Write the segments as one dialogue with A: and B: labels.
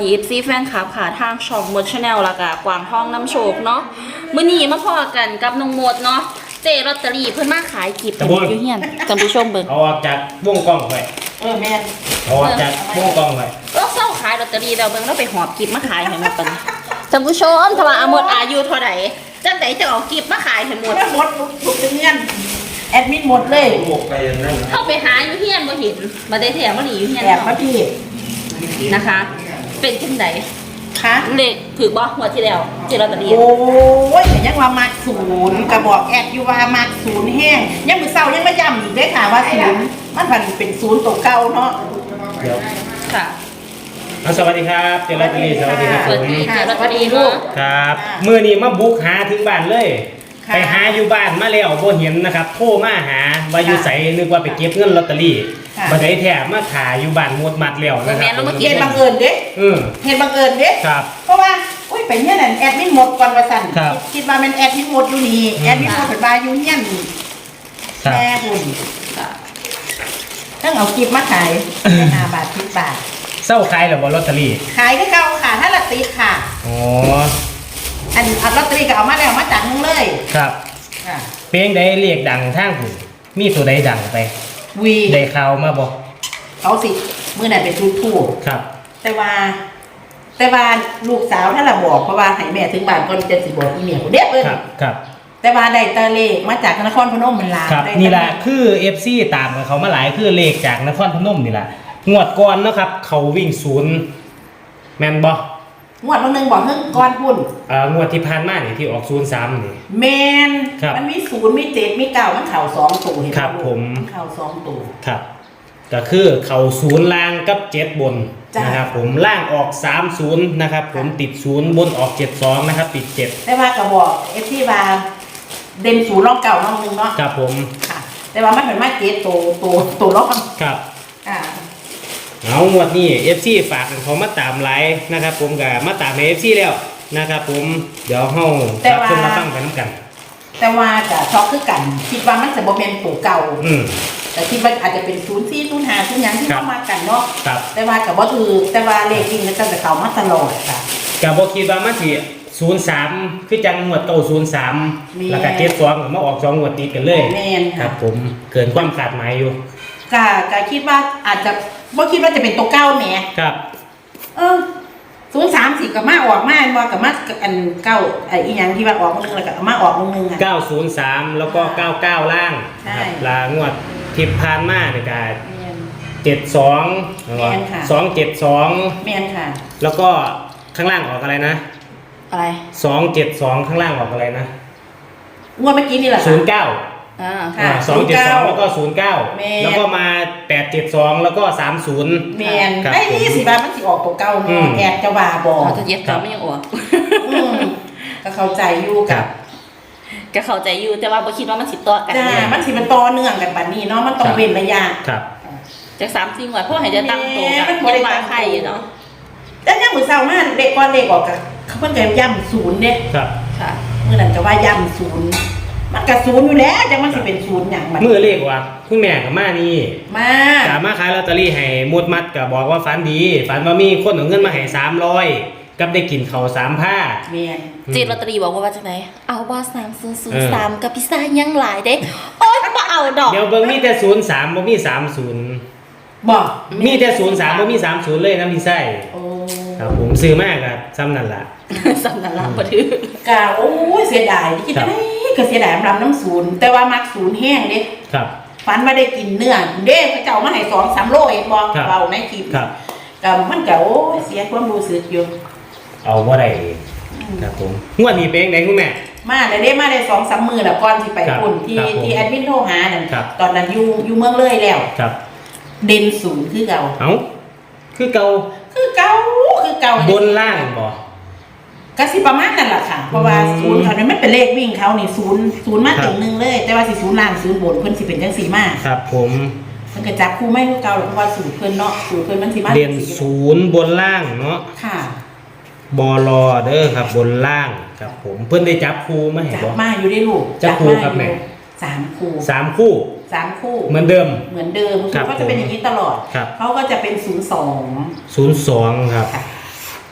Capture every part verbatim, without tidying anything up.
A: เอฟซีแฟนคลับค่ะทางช่องมดชาแนลแล้วก็กวางห้องน้ำโชคเนาะมื้อนี้มาพอกันกับน้องมดเนาะเจลอตเตอรี่เพิ่นมาขายกิบอยู่เฮียนท่านผู้ชมเบิ่ง
B: เอาออกจากวงกล้องไป
C: เออแม่น
B: เอาออกจากวงกล้องไป
A: ก็เศร้าขายลอตเตอรี่แล้วเบิ่งแล้วไปหอบกิบมาขายให้หมดปานนี้ท่านผู้ชมถ้าว่าอมดอายุเท่าใดจังได๋จะเอากิบมาขายให้หมด
C: หมดทุกเดือนแอดมิดหมดเลย
B: หมกไปอย่างนั้น
A: เข้าไปหาอยู่เฮียนบ่เห็นบ่ได้แท้บ่หลีอยู่เฮียน
C: แอบมาพี่
A: นะคะเป็นจังได๋
C: คะ
A: เลขถือบ่หัวที่แล้วเจลอตเตอรี่
C: โอ้ยยังว่ามาศูนย์กระบอกแอดอยู่ว่ามาศูนย์แห้งยังมือเศร้ายังไม่ย้ำอีกได้ค่ะว่าศูนย์มันพันเป็นศูนย์ตัวเก่าเนาะ
B: เดี๋ยว
A: ค่ะ
B: สวัสดีครับเจลอตเตอรี่สวัสดีครับ
A: สวัสดีเจลอตเตอรี่ลูก
B: ครับมื้อนี้มาบุกหาถึงบ้านเลยไปหาอยู่บ้านมาแล้วบ่เห็นนะครับโทรมาหาว่าอยู่ไสนึกว่าไปเก็บเงินลอตเตอรี่บ่ได้แท้มาขายอยู่บ้านหมดมัดแล้วนะครับ
C: เห็นบังเอิญเด้
B: เออ
C: เห็นบังเอิญเด้
B: ครับ
C: เพราะว่าอุ้ยไปเนี่ยนั่นแอดมิดหมดก่อนว่าซั่นคิดว่ามันแอดมิดหมดอยู่นี่แอดมิดหมดเป็นบาอยู่เฮียนแม่บุญต้องเอากิฟต์มาขายห้าบาทสิบบาท
B: เศร้าขายหรือว่าลอตเตอรี่
C: ขายก็เก่าค่ะถ้าละติค่ะ
B: อ๋อ
C: อันเอาลอตเตอรี่ก็เอามาแล้วมาจากมึงเลย
B: ครับ
C: ค่ะ
B: เพลงใดเรียกดังทางผู้มีตัวใดดังไป
C: วี
B: ได้ข่าวมาบ่
C: เขาสิมื้อนั้นเป็นทูทู
B: ครับ
C: แต่ว่าแต่ว่าลูกสาวถ้าละบอกเพราะว่าให้แม่ถึงบ้านก่อนจะสิบอกอีเมียเด็กเอิ้น
B: ครับครับ
C: แต่ว่าได้ตะเลขมาจากนครพนมมันลา
B: ครับนี่ล่ะคือ เอฟ ซี ตามเขามาหลายคือเลขจากนครพนมนี่ล่ะงวดก่อนเนาะครับเขาวิ่งศูนย์แม่นบ่
C: งวดวันนึงบอกเฮิงก่อนพุ่น
B: เอ่องวดที่ผ่านมานี่ที่ออกศูนย์สามนี่
C: แม่นมันมีศูนย์มีเจ็ดมีเก้ามันเข้าสองตัวเห็นบ่
B: ครับผม
C: เข้าสองตัว
B: ครับก็คือเขาศูนย์ล่างกับเจ็ดบนนะครับผมล่างออกสามศูนย์นะครับผมติดศูนย์บนออกเจ็ดสองนะครับติดเจ็ด
C: แต่ว่าก็บอก เอฟ ซี ว่าเด่นศูนย์รอบเก่าน้องนึงเนาะ
B: ครับผม
C: ค่ะแต่ว่ามันเป็นมาเจ็ดตัวตัวตัวรอบ
B: ครับ
C: อ่า
B: เอางวดนี้ เอฟ ซี ฝากเขามาตามไลฟ์นะครับผมกับมาตามใน เอฟ ซี แล้วนะครับผมเดี๋ยวเฮารับชมมาฟังกันน้ำกัน
C: แต่ว่าจะช็อกคือกันคิดว่ามันจะบ่เป็นตัวเก่า
B: อืม
C: แต่คิดว่าอาจจะเป็นศูนย์สี่ศูนย์ห้าศูนย์ยังที่เข้ามากันเนาะแต่ว่ากับว่าคือแต่ว่าเลขวิ่งมันจะเข้ามาตลอดค่ะ
B: กับบ่คิดว่ามันสิศูนย์สามคือจังงวดเก่าศูนย์สามแล้วก็เจ็ดสองมาออกสองงวดติดกันเลยครับผมเกินความคาดหมายอยู่
C: ก็ก็คิดว่าอาจจะบ่คิดว่าจะเป็นตัวเก้าแหม
B: ครับ
C: เออศูนย์สามสี่กับมาออกมาบ่กับมาอันเก้าไอ้อีหยังที่ว่าออกมึงแล้วก็มาออกมึงนึงอ่ะ
B: เก้าศูนย์สามแล้วก็เก้าเก้าล่างครับลางวดทิพผ่านมาในการเจ็ดสองสองเจ็ดสอง
C: แม่นค่ะ
B: แล้วก็ข้างล่างออกอะไรนะ
A: อะไร
B: สองเจ็ดสองข้างล่างออกอะไรนะ
C: งวดเมื่อกี้นี่แหละ
B: ศูนย์เก้า
A: อ่า
C: ค่ะ
B: สองเจ็ดสองแล้วก็ศูนย์เก้าแล้วก็มาแปดเจ็ดสองแล้วก็สามศูนย์
C: แมนไอ้นี่สิบามันสิออกตัวเก้าเนาะแอบจะว่าบอก
A: เขาจะเย็ดเขาไม่ยังออก
C: ก็เข้าใจอยู่กับ
A: ก็เข้าใจอยู่แต่ว่าบ่คิดว่ามันสิต่อกัน
C: จ้ามันสิมันต่อเนื่องกันบัดนี้เนาะมันต้องเว้นระยะ
B: ครับ
A: จากสามสี่งวดเพราะให้จะตั้งตัวกันบ่ได้มาใครอยู่เนาะ
C: แต่ยังมื้อเช้ามาเด็กก่อนเด็กออกก็เขาเพิ่นก็ย้ำศูนย์เด้
B: ครับ
A: ค่ะ
C: มื้อนั้นก็ว่าย้ำศูนย์มันกระศูนย์อยู่แล้วจังมันสิเป็นศูนย์อย่างมัน
B: เมื่อเลขว่าคุณแม่กับมานี่
C: มา
B: สามารถขายลอตเตอรี่ให้มดมัดก็บอกว่าฝันดีฝันว่ามีคนเอาเงินมาให้สามร้อยกับได้กินข้าวสามผ้า
C: แม่น
A: เจลอตเตอรี่บอกว่าว่าจังได๋เอาบ่สามศูนย์ศูนย์สามกับพิซซ่ายังหลายเด้โอ๊ยบ่เอาดอก
B: เดี๋ยวเบิ่งมีแต่ศูนย์สามบ่มีสามศูนย์
C: บ่
B: มีแต่ศูนย์สามบ่มีสามศูนย์เลยนะพี่ไส้
C: โอ้
B: ครับผมซื้อมากก็ซ้ำนั่นล่ะ
A: ซ้ำนั่นล่ะบ่ถือก
C: ะโอ้ยเสียดายคิดได้ก็เสียดายรำน้ำศูนย์แต่ว่ามักศูนย์แห้งเด้
B: ครับ
C: ฝันว่าได้กินเนื้อเด้เขาเจ้ามาให้สองสามโลเองบ่เบาในคลิป
B: ครับ
C: ก็มันก็โอ้ยเสียความรู้สึกอยู่
B: เอาบ่ได้ครับผมงวดนี้เป็นจังได๋คุณแม่
C: มาได้ได้มาได้สองสามมื้อแล้วก่อนสิไปพุ่นที่ที่แอดมินโทรหานั่นตอนนั้นอยู่อยู่เมืองเลยแล้ว
B: ครับ
C: เด่นศูนย์คือเก่า
B: เอ้าคือเก่า
C: คือเก่าคือเก่า
B: บนล่างบ่
C: ก็สิประมาณนั่นแหละค่ะเพราะว่าศูนย์เขาเนี่ยมันเป็นเลขวิ่งเขานี่ศูนย์ศูนย์มาถึงหนึ่งเลยแต่ว่าสิศูนย์ล่างศูนย์บนเพิ่นสิเป็นจังสี่มา
B: ครับผม
C: เพิ่นก็จับคู่ไม่คือเก่าเพราะว่าสูตรเพิ่นเนาะสูตรเพิ่นมันสิมา
B: เด่นศูนย์บนล่างเนาะ
C: ค่ะ
B: บลเด้อครับบนล่างครับผมเพิ่นได้จับคู่มาให้บ่
C: จับมาอยู่ได้ลูก
B: จับคู่ครับแม่
C: สามคู่
B: สามคู่
C: สามคู่
B: เหมือนเดิม
C: เหมือนเดิมเขาจะเป็นอย่างนี้ตลอดเขาก็จะเป็นศูนย์สอง
B: ศูนย์สองครับ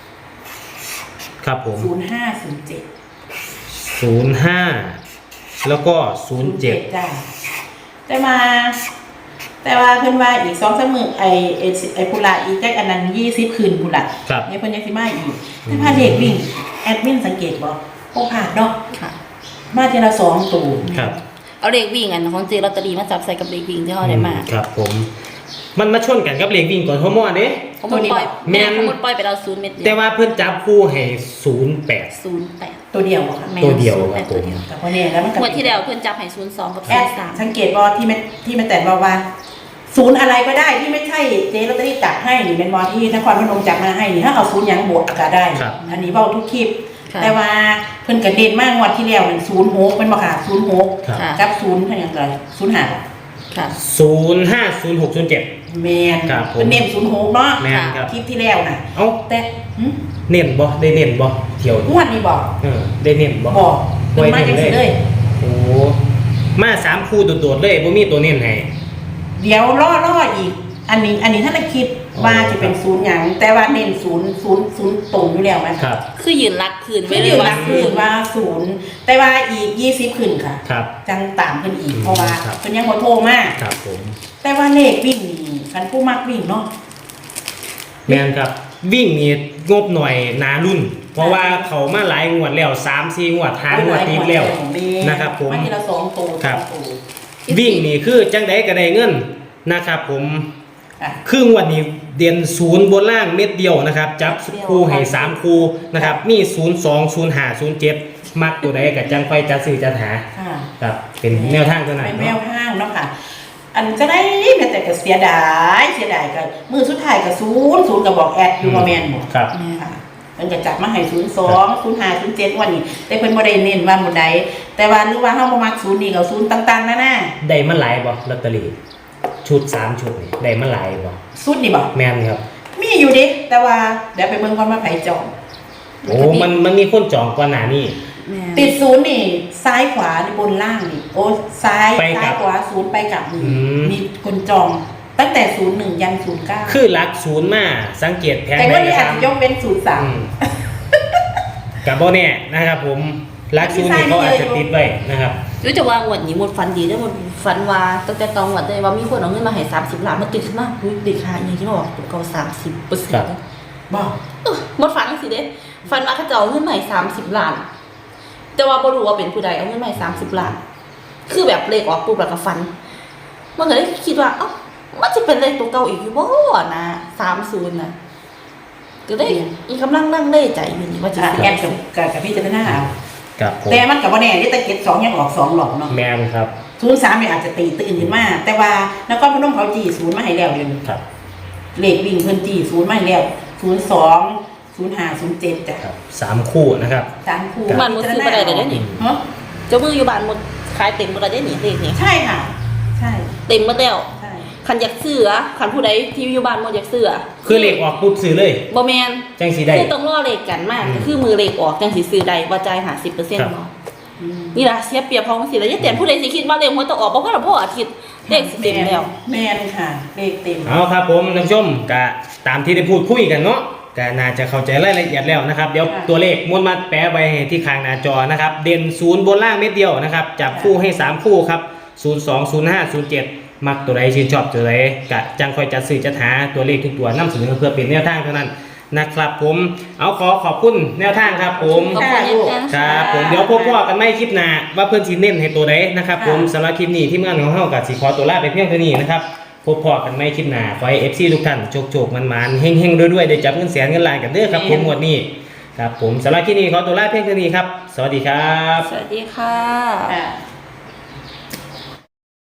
B: ครับผม
C: ศูนย์ห้าศูนย์เจ็ด
B: ศูนย์ห้าแล้วก็ศูนย์เจ็ด
C: จ้าแต่มาแต่ว่าเพิ่นว่าอีกสองสามมื้อไอ้ไอ้ไอ้พุละอีกจักอันนั้นยี่สิบคืนพุละ
B: ครับ
C: เนี่ยเพิ่นยังสิมาอีกแต่พาเด็กวิ่งแอดมินสังเกตบ่โอ้ผ่านเนาะ
A: ค่ะ
C: มาทีละสองตู
B: ครับ
A: เอาเลขวิ่งอันของเจลอตเตอรี่มาจับใส่กับเลขวิ่งที่เขาได้มา
B: ครับผมมันมาชนกันกับเลขวิ่งก่อนฮอร์โมนเด้
A: เขาหมดปล่อย
B: แม่น
A: เขาหมดปล่อยไปเราศูนย์เม็ด
B: แต่ว่าเพิ่นจับคู่ให้ศูนย์แปด
A: ศูนย์แปด
C: ตัวเดียวบ่ค่ะ
B: ตัวเดียวครับผม
C: แต่พอเนี่ยแล้วมันก็
A: งวดที่แล้วเพื่อนจับให้ศูนย์สองกับ
C: แอ
A: ศูน
C: ด
A: ย์สาม
C: สังเกตบ่ที่แม่ที่แม่แต่บอกว่าศูนย์อะไรก็ได้ที่ไม่ใช่เจ๊ลอตเตอรี่จับให้นี่เป็นบอที่นครพนมจับมาให้นี่ถ้าเอาศูนย์หยังบวกก็ได้
B: ครับ
C: อันนี้เว้าทุกคลิป แต่ว่าเพิ่นกระเด็นมากงวดที่แล้วมันศูนย์หกเป็นบ่ค่ะศูนย์หก
B: ครับ
C: กับศูนย์เท่ายังไงศูนย์ห้า
A: ค่ะ
B: ศูนย์ห้าศูนย์หกศูนย์เจ็ด
C: แมน
B: ครับผม
C: เป็นเน้นศูนย์หกเนาะ
B: แม่นครับ
C: คลิปที่แล้วน่ะ
B: เอ้า
C: แต่หึ
B: เน้นบ่ได้เน้นบ่เที่ยว
C: ง
B: นี้
C: วดนี้บอก
B: เออได้เน้นบ่
C: บอกเพิ่นมาจังซี่เลย
B: โอ้มาสามคู่โดดๆเลยบ่มีตัวเน้นให้
C: เดี๋ยวล่อล่ออีก อันนี้อันนี้ถ้าเราคิดว่าจะเป็นศูนย์หยังแต่ว่าเน้นศูนย์ศูนย์ศูนย์ตรงอยู่แล้วไหม
B: ครับ
A: คือยืนรักคืน
C: ไม่
A: ไว้เล
C: ได้
A: ยว่า
C: รักคืนว่าศูนย์แต่ว่าอีกยี่สิบคืนค่ะ
B: ครับ
C: จังตามขึ้นอีก
B: อืม
C: เพราะว่า
B: ครับ
C: เป็นยังบ่โทรมาก
B: ครับผม
C: แต่ว่าเลขวิ่งนี่คันผู้มักวิ่งเนาะ
B: แม่นครับ วิ่งนี่งบหน่อยหนารุ่น เพราะว่าเขามาหลายงวดแล้วสามสี่งวดห้างวดติดแล้วนะครับผม
C: มาทีละสองตัว
B: ครับ
C: สองตัว
B: วิ่งนี่คือจังไดก็ได้เงินนะครับผม
C: อ่ะ
B: ครึ่งวันนี้เด่นศูนย์บนล่างเม็ดเดียวนะครับจับคู่ให้สามคู่นะครับมีศูนย์สองศูนย์ห้าศูนย์เจ็ดมักตัวใดกับจังไฟจัดซื้อจัดหา
C: ค่ะ
B: ครับเป็นแนวทางเท่านั้น
C: เป็นแน
B: เนาะ
C: วทางเนาะค่ะ อันจะได้แม้แต่ก็เสียดายเสียดายก็มือสุดท้ายก็ศูนย์ศูนย์ก็บอกแอดอยู่บ่แม่นบ่
B: ครับ
C: ค่ะมันจะจับมาให้ศูนย์สองศูนย์ห้าศูนย์เจ็ดวันนี้ แต่เพิ่นบ่ได้เน้นว่าหมดใดแต่ว่าหรือว่าเฮาบ่มักศูนย์นี่ก็ศูนย์ต่างๆนั่นน่ะ
B: ได้มาหลายบ่ลอตเตอรี่ชุดสามชุดนี่ได้มาหลายบ่
C: สุดนี่บ่
B: แม่นครับ
C: มีอยู่ดิแต่ว่าเดี๋ยวไปเบิ่งก่อนว่าไผจอง
B: โอ้มันมันมีคนจองก่อนหน้านี้
A: แม่
C: ติดศูนย์นี่ซ้ายขวานี่บนล่างนี่โอ้ซ้าย
B: ไปกลั
C: ซ้าย
B: บ
C: ขวาศูนย์ไปกลับนี่
B: อืม
C: มีคนจองตั้งแต่ศูนย์หนึ่งยันศูนย์เก้า
B: คือหลักศูนย์มาสังเกตแผง
C: แต่
B: ใด
C: ว่านี่
B: ก็
C: อาจ
B: ตาม
C: จะยกเว้นศูนย์สาม
B: อืมกับบ่แน่นะครับผมหลักศูนย์นี่เขาอาจจะติดไว้นะครับ
A: รู้จะว่างวดนี้หมดฟันดีได้หมดฟันว่าตั้งแต่ตอนงวดเลยว่ามีคนเอาเงินมาให้สามสิบล้านมาติดขึ้นมาอุ้ยติดค่าอย่างที่บอกตัวเก่าสามสิบเปอร์เซ็น
B: ครับ
A: ต์
C: บอก
A: หมดฟันสิเด้ฟันว่าเขาจะเอาเงินมาให้สามสิบล้าน แต่ว่าบ่รู้ว่าเป็นผู้ใดเอาเงินมาให้สามสิบล้าน คือแบบเลขออกปุ๊บแล้วก็ฟัน มันก็เลยคิดว่าเอ้ามันจะเป็นเลขตัวเก่าอีกอยู่บ่นะสามศูนย์นะก็ได้อีกกำลังนั่งเล่ใจอยู่นี่ว่าจะ
C: อ่ะ
A: ซื้อ
C: แอดกับกับกับพี่จะได้หน้าเอา
B: ครับผม
C: แต่มันกับว่าแน่ที่ตะเก็ดสองยังออกสองหลอกเนาะ
B: แมนครับ
C: ศูนย์สามเนี่ยอาจจะตีตื่นขึ้นมาแต่ว่านครพนมเขาจีศูนย์มาให้แล้วเดี๋ยวนี้
B: ครับ
C: เลขวิ่งเพิ่นจีศูนย์มาให้แล้วศูนย์สองศูนย์ห้าศูนย์เจ็ดจ้ะ
B: ครับสามคู่นะครับ
C: สามคู่
A: บ้านหมดซื้อบ่ได้เลยเด้นี่
C: ฮะ
A: เจ้ามืออยู่บ้านหมดขายเต็มบ่ได้เด้นี่เลขนี่
C: ใช่ค่ะ ใช่
A: เต็มหมดแล้ว
C: ใช่
A: คันอยากซื้อคันผู้ใดที่อยู่บ้านหมดอยากซื้อ
B: คือเลขออกปุ๊บซื้อเลย
A: บ่แม่น
B: จังสีได้
A: คือต้องรอเลขกันมาก
B: อืม
A: ก็คือมือเลขออกจังสิซื้อได้ว่าจ่ายห้าสิบเปอร์เซ็นต์
B: ครับ
A: เนาะ
C: อืม
A: นี่ล่ะเสียเปรียบเพราะจังซี่แล้วอย่าแต่ผู้ใดสิคิดว่าเลขมันต้องออกบ่ว่าพ่ออาทิตย์เลขสิเต็มแล้ว
C: แม่นค่ะ เลขเต็ม
B: เอาครับผมท่านผู้ชมก็ตามที่ได้พูดคุยกันเนาะก็น่าจะเข้าใจรายละเอียดแล้วนะครับเดี๋ยว
C: ค่ะ
B: ตัวเลขม้วนมาแปะไว้ที่ข้างหน้าจอนะครับเด่นศูนย์บนล่างเม็ดเดียวนะครับจับคู่ให้สามคู่ครับศูนย์สองศูนย์ห้าศูนย์เจ็ดมักตัวใดชื่นชอบตัวใดกะจังคอยจัดซื้อจัดหาตัวเลขทุกตัวนำเสนอเพื่อเป็นแนวทางเท่านั้นนะครับผมเอาขอขอบคุณแนวทางครับผม
A: ขอบคุณอาจารย์
B: ครับผมเดี๋ยวพบกันไม่คลิปหน้าว่าเพื่อนสีเน้นให้ตัวใดนะครับผมสำหรับคลิปนี้ที่งานของเฮากับสีขอตัวลาไปเพียงเท่านี้นะครับพบพอกันไม่คลิปหน้าขอให้ เอฟ ซี ทุกท่านโจกๆมันๆเฮงๆด้วยๆได้จับเงินแสนเงินล้านกันเด้อครับผมหมวดนี้ครับผมสำหรับคลิปนี้ขอตัวลาเพียงเท่านี้ครับสวัสดีครับ
A: สวัสดีค่ะ
C: อ่า